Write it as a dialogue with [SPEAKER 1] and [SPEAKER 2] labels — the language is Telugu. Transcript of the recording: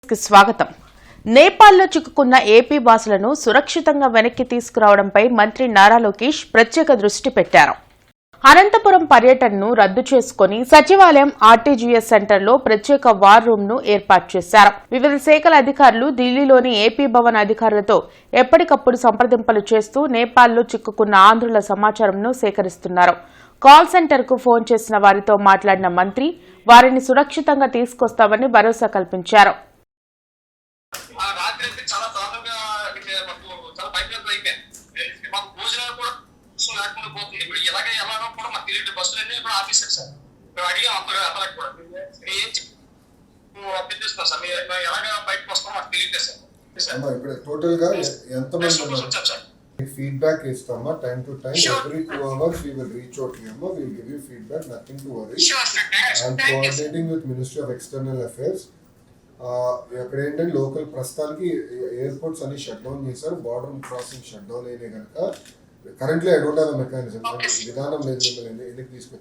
[SPEAKER 1] స్వాగతం. నేపాల్లో చిక్కుకున్న ఏపీ వాసులను సురక్షితంగా వెనక్కి తీసుకురావడంపై మంత్రి నారా లోకేష్ ప్రత్యేక దృష్టి పెట్టారు. అనంతపురం పర్యటనను రద్దు చేసుకుని సచివాలయం ఆర్టీజీఎస్ సెంటర్లో ప్రత్యేక వార్ రూమ్ ను ఏర్పాటు చేశారు. వివిధ శాఖల అధికారులు ఢిల్లీలోని ఏపీ భవన్ అధికారులతో ఎప్పటికప్పుడు సంప్రదింపులు చేస్తూ నేపాల్లో చిక్కుకున్న ఆంధ్రుల సమాచారంను సేకరిస్తున్నారు. కాల్ సెంటర్ కు ఫోన్ చేసిన వారితో మాట్లాడిన మంత్రి వారిని సురక్షితంగా తీసుకొస్తామని భరోసా కల్పించారు.
[SPEAKER 2] చాలా దారుణంగా చాలా భయపడతారు అయిపోయింది. మాకు భోజనాలు కూడా లేకుండా పోతుంది. ఇప్పుడు ఎలాగో కూడా మాకు తెలియదు. బస్సులన్నీ కూడా ఆఫీసర్ సార్ మేము అడిగాం అందరికి కూడా ఏం అభ్యర్థిస్తాం సార్. మీరు ఎలాగ బయటకు వస్తాం మాకు తెలియదు సార్.
[SPEAKER 3] ఇక్కడ టోటల్ గా ఎంతమంది ఫీడ్బ్యాక్ ఇస్తామా time to time every 2 hours we will reach out to you. We will give you feedback, nothing to worry. I'm coordinating with Ministry of External Affairs. ఇక్కడ ఏంటంటే లోకల్ ప్రస్తుతానికి ఎయిర్పోర్ట్స్ అన్ని షట్ డౌన్ చేశారు. బార్డర్ క్రాసింగ్ షట్ డౌన్ అయినాయి కనుక currently I don't have a mechanism విధానం లేదు మిమ్మల్ని ఎందుకు తీసుకొచ్చి